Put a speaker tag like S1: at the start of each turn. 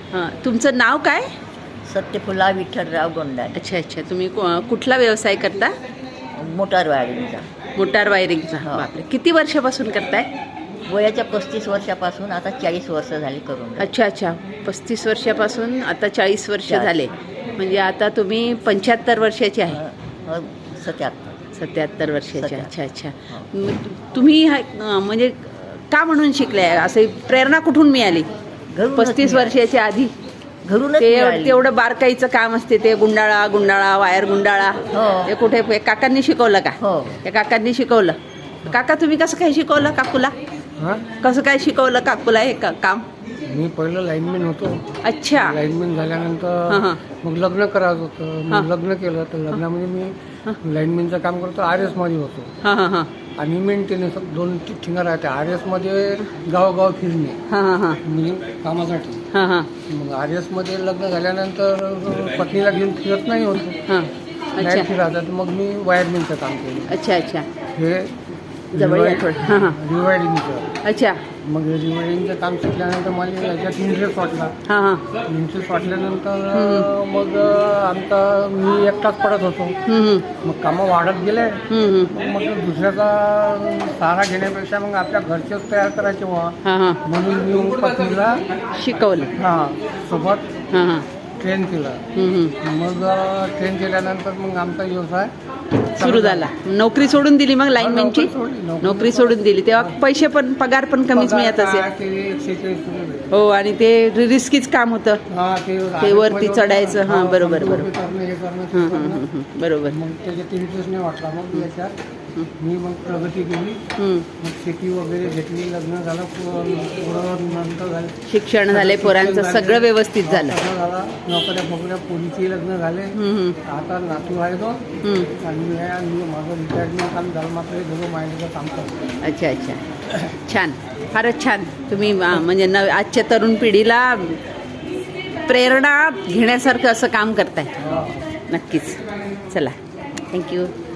S1: तुमचं नाव काय?
S2: सत्यफुला विठ्ठलराव गोंडाने.
S1: अच्छा अच्छा. तुम्ही कुठला व्यवसाय करता?
S2: मोटार वायरिंगचा.
S1: मोटार वायरिंगचा.
S2: हो.
S1: बापरे, किती वर्षापासून करताय?
S2: वयाच्या 35 वर्षापासून आता 40 वर्ष झाली करून.
S1: अच्छा अच्छा. 35 वर्षापासून आता 40 वर्ष
S2: 40.
S1: झाले. म्हणजे आता तुम्ही 75 वर्षाचे आहे.
S2: 77.
S1: 77 वर्षाचे.
S2: 77.
S1: अच्छा अच्छा.
S2: हो.
S1: तुम्ही म्हणजे का म्हणून शिकलाय? असे प्रेरणा कुठून मिळाली?
S2: घरूनच
S1: 35
S2: मिळाली.
S1: वर्षाच्या आधी
S2: घरूनच
S1: ते
S2: मिळाली.
S1: तेवढं बारकाईचं काम असते, ते गुंडाळा वायर गुंडाळा.
S2: हो.
S1: ते कुठे काकांनी शिकवलं का?
S2: हो.
S1: त्या काकांनी शिकवलं. काका, तुम्ही कसं काय शिकवलं काकूला? कसं काय शिकवलं काकूला हे काम?
S3: मी पहिलं लाईनमॅन होतो.
S1: अच्छा.
S3: लाईनमॅन झाल्यानंतर मग लग्न करायचं होतं. मग लग्न केलं तर लग्नामध्ये मी लाईनमॅनचं काम करतो. RS मध्ये होतो.
S1: हां हां हां
S3: आणि मेंटेनन्स 2 ठिकाणं राहते. RS मध्ये गावोगाव फिरणे
S1: हां हां हां
S3: म्हणजे कामासाठी.
S1: हां हां
S3: मग RS मध्ये लग्न झाल्यानंतर पत्नीला घेऊन फिरत नाही होतो.
S1: हां.
S3: नाही
S1: अच्छा
S3: फिरायचं तर मग मी वायरमॅनचं काम केलं.
S1: अच्छा अच्छा.
S3: हे
S1: जवळ या थोडं. हां हां.
S3: रिवायडिंगचं.
S1: अच्छा.
S3: मग रिवायडिंगचं काम शिकल्यानंतर मला याच्यात इंटरेस्ट वाटला.
S1: हां हां.
S3: इंटरेस्ट वाटल्यानंतर मग आमचा मी एकटाच पडत होतो. मग कामं वाढत गेले. मग दुसऱ्याचा सहारा घेण्यापेक्षा मग आपल्या घरचेच तयार करायचे व्हा.
S1: हां हां.
S3: म्हणून मी पत्नीला
S1: शिकवलं.
S3: सोबत
S1: हां हां.
S3: ट्रेन केलं. मग ट्रेन केल्यानंतर मग आमचा व्यवसाय
S1: सुरू झाला. नोकरी सोडून दिली मग लाईनमॅनची? नोकरी सोडून दिली तेव्हा पैसे पण, पगार पण कमीच मिळत असेल.
S3: 146
S1: हो. आणि ते रिस्कीच काम होतं. ते वरती चढायचं. हां बरोबर बरोबर. बरोबर.
S3: मग त्याच्यात इंटरेस्ट नाही वाटला. मग याच्यात मी मग प्रगती केली. मग शेती वगैरे घेतली. लग्न झालं. पुढं नंतर झालं.
S1: शिक्षण झाले पोरांचं, सगळं व्यवस्थित झालं.
S3: झाला. नोकऱ्या फोकऱ्या पोलीसही लग्न झाले. आता नातू आहे तो. आणि माझं रिटायरमेंट काम झालं. मात्र हे दोघं माहितीचं काम करतो.
S1: अच्छा अच्छा. छान. फारच छान. तुम्ही म्हणजे आजच्या तरुण पिढीला प्रेरणा घेण्यासारखं असं काम करताय. नक्कीच. चला, थँक्यू.